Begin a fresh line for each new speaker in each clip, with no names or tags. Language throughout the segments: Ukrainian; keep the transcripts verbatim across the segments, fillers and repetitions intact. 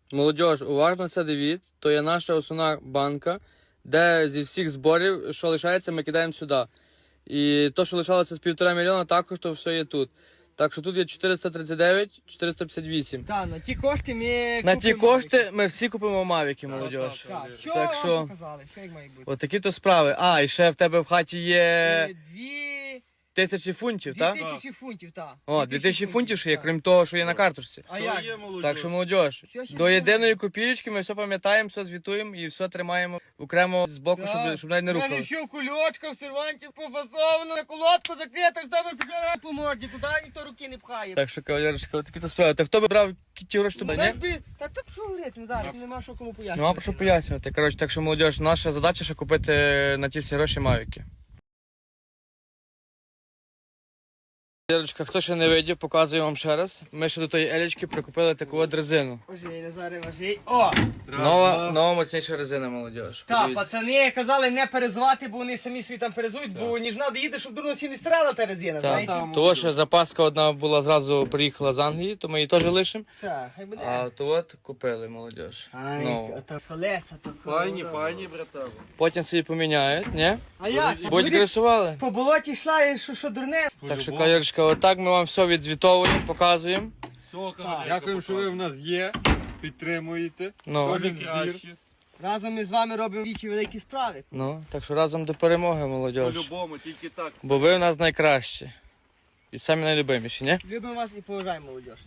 Молодіж, уважно це дивіться, то є наша основна банка, де зі всіх зборів, що лишається, ми кидаємо сюди. І то, що лишалося з півтора мільйона, також то все є тут. Так що тут є чотириста тридцять дев'ять, чотириста п'ятдесят вісім.
Так, на ті кошти ми
На ті
купимо
кошти ми всі купимо мавіки, молодіж.
Так, що
Так
вам
що-
показали, що як має бути?
От такі то справи. А, і ще в тебе в хаті є
Е, Дві...
тисячі фунтів,
Дві
так?
тисячі фунтів, так.
О, дві тисячі фунтів ще є, крім того, що є на карточці.
А як?
Так що, молодіж,
Що ще
до
не
єдиної копійки ми все пам'ятаємо, все звітуємо і все тримаємо окремо з боку, щоб, щоб навіть не
У мене
рухали.
все в кульочках, в серванті пофасовано, на колодку закрита, в тебе пішла по морді, туди ніхто руки не пхає.
Так що, кавалерочка, такі то справи. Та хто би брав ті гроші туди, ні?
Якби- Так так що говорити, зараз, нема що кому пояснити.
Нема про що пояснювати. Коротше, так що, молодіж, наша задача ще купити на ті всі гроші мавіки. Кавалерочка, хто ще не видів, показую вам ще раз. Ми ще до тої елічки прикупили таку от резину.
Ожей, Назаре, ожей. О!
Нова, нова моцніша резина, молодіж.
Так,
Подивіться.
пацани казали не перезувати, бо вони самі собі там перезують, бо ніжна доїде, щоб дурно всі не стирала та резина,
Так,
знаєте?
того, що запаска одна була зразу приїхала з Англії, то ми її теж лишимо.
Так, хай буде.
А то от купили, молодіж.
Ай,
Нову.
то колеса, то
Файні,
колеса.
файні, братан.
Потім собі поміняють, ні?
А як?
Будь
Буде
гресували.
по болоті йшла, і що, що дурне?
Так що, кавалерочка, отак ми вам все відзвітовуємо, показуємо.
Все, кавалерка,
Дякуємо, що ви в нас є, підтримуєте.
Ну,
Кожен збір.
краще.
Разом ми з вами робимо вічі великі справи.
ну, так що разом до перемоги,
По
молодіж.
любому, тільки так.
Бо ви в нас найкращі. І самі найлюбиміші, ні?
Любимо вас і поважаємо, молодь.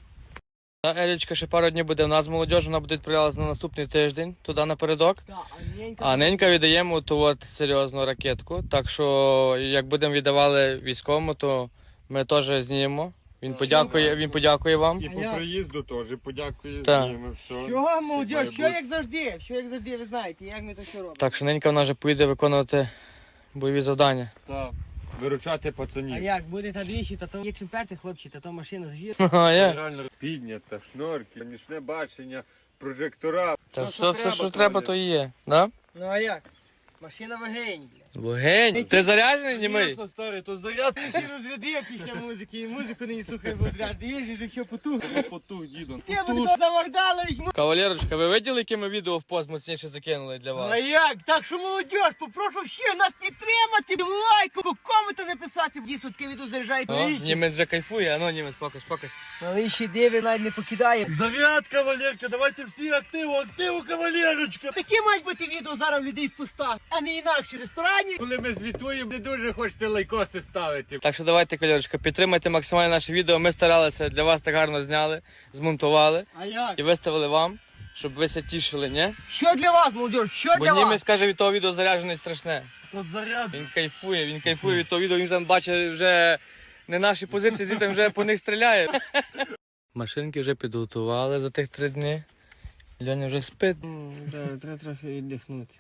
Та Елічка ще пару днів буде в нас, молодіж, вона буде відправлятися на наступний тиждень, туди напередок.
Так, а ненька.
А ненька віддаємо ту от серйозну ракетку. Так що, як будемо віддавали військовому, то ми теж знімемо. Він подякує, він подякує вам.
І
А
по
я-
приїзду теж подякую
Так.
з ними. Все.
Що,
має
молодь, що
бути.
як завжди, що як завжди, ви знаєте, як ми то що робимо.
Так що ненька вона вже поїде виконувати бойові завдання.
Так.
Виручати
А
пацанів.
як, буде та двічі, та то є чим перти, хлопці, та то машина звір.
А я?
Реально.
Піднята, шнорки, нічне бачення, прожектора.
Та
Що,
все,
що
все,
треба,
що треба,
Коля?
то і є. Да?
Ну а як? Машина вагень, бля.
Вогень. Ти заряджений, німий?
Звісно, старий, то заряд.
Ти розрядив після музики, і музику не слухай, бо зряд. Дивиш, що що потух.
Потух, дідом.
Ти б то замордали їх.
Кавалерочка, ви виділи, яке ми відео в пост моцніше закинули для
А
вас?
як? Так що молодь, попрошу ще нас підтримати, лайку, коменти написати. Дійсно, таке відео заряджають
О,
на
німець вже кайфує, а ну німець, покаж, покаж.
Але ще диви навіть не покидає.
Заряд, кавалерка, давайте всі активу, активу, кавалерочка.
Такі мають бути відео зараз у людей в пустах, а не інакше в ресторані.
Коли ми звітуємо, не дуже хочете лайкоси ставити.
Так що давайте, кавалерочка, підтримайте максимально наше відео. Ми старалися, для вас так гарно зняли, змонтували
А як?
і виставили вам, щоб ви се тішили, ні?
Що для вас, молодь? Що
Бо
для вас?
німець каже, від того відео заряджений страшне.
От заряд.
Він кайфує, він кайфує від того відео, він вже бачить вже не наші позиції, звідти вже по них стріляє. Машинки вже підготували за тих три дні. Льоня вже спить.
Треба трохи віддихнути.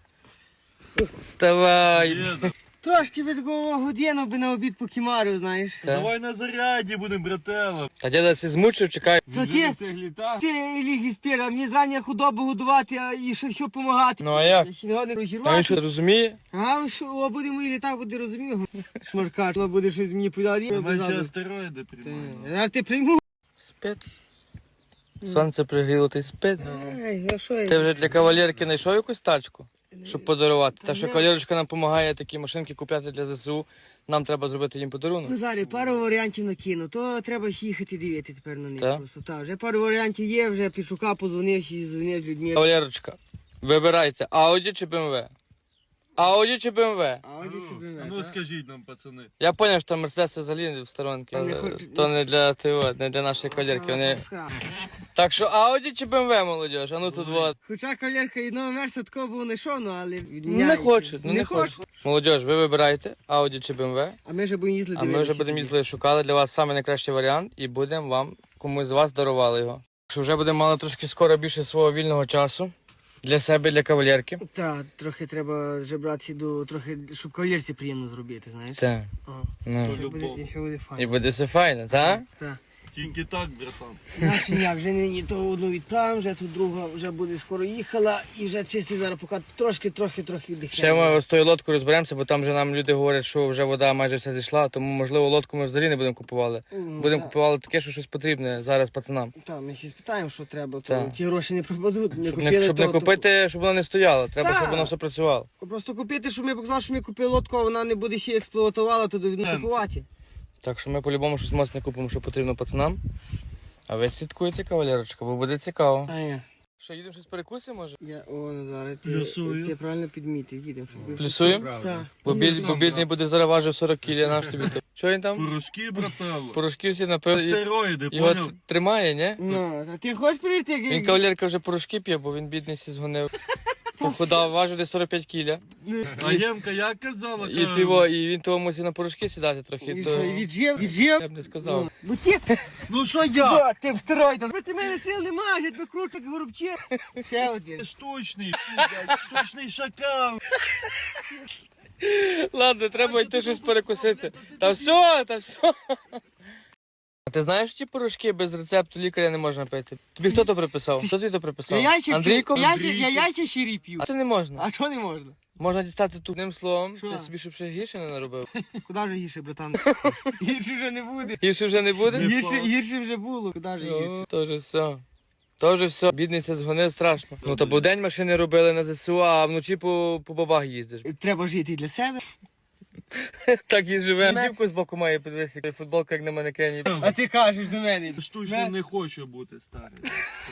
Вставай!
Трошки від такого годину би на обід покімарю, знаєш.
Та.
Давай на заряді будемо, брателло.
Та діда сі змучив, чекай.
То ти,
Тих літа.
ти ліг спір, а мені зрання худобу годувати, а і ще що допомагати.
Ну а як?
Я ще не годний
А він
розірвати.
що розуміє?
А що, о, буде мої літа, буде розумів. Шмаркач, воно буде щось мені подати.
Менше астероїди приймаємо.
Зараз ти прийму.
Спить. Сонце пригріло, ти спить.
Ай, а що я?
Ти вже для кавалерки знайшов якусь тачку, щоб подарувати? Та що кавалерочка нам допомагає такі машинки купляти для ЗСУ, нам треба зробити їм подарунок.
Назарі, пару варіантів накину, то треба ж їхати дивити тепер на них.
Так?
Просто так. Вже пару варіантів є, вже підшукав, позвонив і дзвонив з людьми.
Кавалерочка, вибирайте, Audi чи бе ем ве? Audi чи бе ем ве?
А ось собі
А ну скажіть нам, пацани.
Я зрозумів, що Мерседес взагалі в сторонки.
Та не
Е,
хочу-
То не для ТО, не для нашої кавалерки. Вони... Так що Audi чи бе ем ве, молодіж? А ну тут вот.
Хоча кавалерка і нового мерса такого було не шов, ну, але
Ну,
відміняється.
не хочуть, ну не хочуть. Молодіж, ви вибирайте Audi чи бе ем ве,
А ми вже будемо їздити
а ми вже будемо їздити, шукали для вас саме найкращий варіант і будемо вам, комусь з вас дарували його. Що вже будемо мали трошки скоро більше свого вільного часу для себе, для кавалерки.
Так, трохи треба вже братися до, трохи, щоб кавалерці приємно зробити, знаєш.
Так,
Ага.
ну.
Ще буде, ще буде
І
файно.
буде все файно, так?
Так.
Тільки так, братан.
Значить, я вже нині то одну відправимо, вже тут друга вже буде скоро їхала і вже чисті зараз поки трошки, трохи, трохи
Ще
дихає.
ми з тою лодкою розберемося, бо там вже нам люди говорять, що вже вода майже вся зійшла, тому можливо лодку ми взагалі не будемо купували.
Ну,
Будемо
та-
купували таке, що щось потрібне зараз пацанам.
Та, ми ще спитаємо, що треба, то
Так.
ті гроші не пропадуть. Не
Щоб
купили,
не, щоб
то-
не
то-
купити, щоб воно не стояло. Треба,
Так.
щоб воно все працювало.
Просто купити, щоб ми показали, що ми купили лодку, а вона не буде ще експлуатувала, то не
Сенсу.
купувати.
Так що ми по-любому щось моцне купимо, що потрібно пацанам. А ви слідкуєте, кавалерочка, бо буде цікаво.
А я.
Що, їдемо щось перекусимо, може?
Я, о, Назаре, ти,
Плюсую.
ти правильно підмітив, їдемо. щоб ви-
Плюсуємо?
Так.
Бо, біль, бо бідний буде зараз важив сорок кілі, наш тобі то. Що він там?
Порошки, братан.
Порошки всі напив. і-
Стероїди,
Його
поняв?
т- тримає, ні?
Ну, а ти хочеш прийти? як-
Він кавалерка вже порошки п'є, бо він бідний сі згонив. Похудав, важив десь сорок п'ять кіля.
А Ємка як казала?
І,
каже,
ти, во, і він того мусив на порошки сідати трохи.
І
То...
що, і віджив? Віджив?
Я б не сказав.
Ну, Бутіс?
Ну що я?
О, ти второй, проти мене сил немає, я тебе кручу, як горобче. Ще один.
Штучний, блядь, штучний шакал.
Ладно, треба йти щось перекусити. Та все, та все. А ти знаєш, ті порошки без рецепту лікаря не можна пити? Тобі хто то приписав? Хто тобі то
Я
приписав?
яйця
Андрійко?
п'ю. Я, я яйця щирі п'ю.
А це не можна.
А що не можна?
Можна дістати тут одним словом,
Що?
ти собі щоб ще гірше не наробив.
Куди вже гірше, братан? Гірше вже не буде.
Гірше вже не буде?
Не
Гірше, гірше вже було. Куди вже гірше?
Ну, то вже все. То вже все. Бідниця згонив страшно. Ну та бо день машини робили на ЗСУ, а вночі по, по бабах їздиш.
Треба жити і для себе.
Так і живе.
Ме-
Дівку з боку має, подивися, футболка як на манекені.
А ти кажеш до мене.
Штучний не хочу бути старий.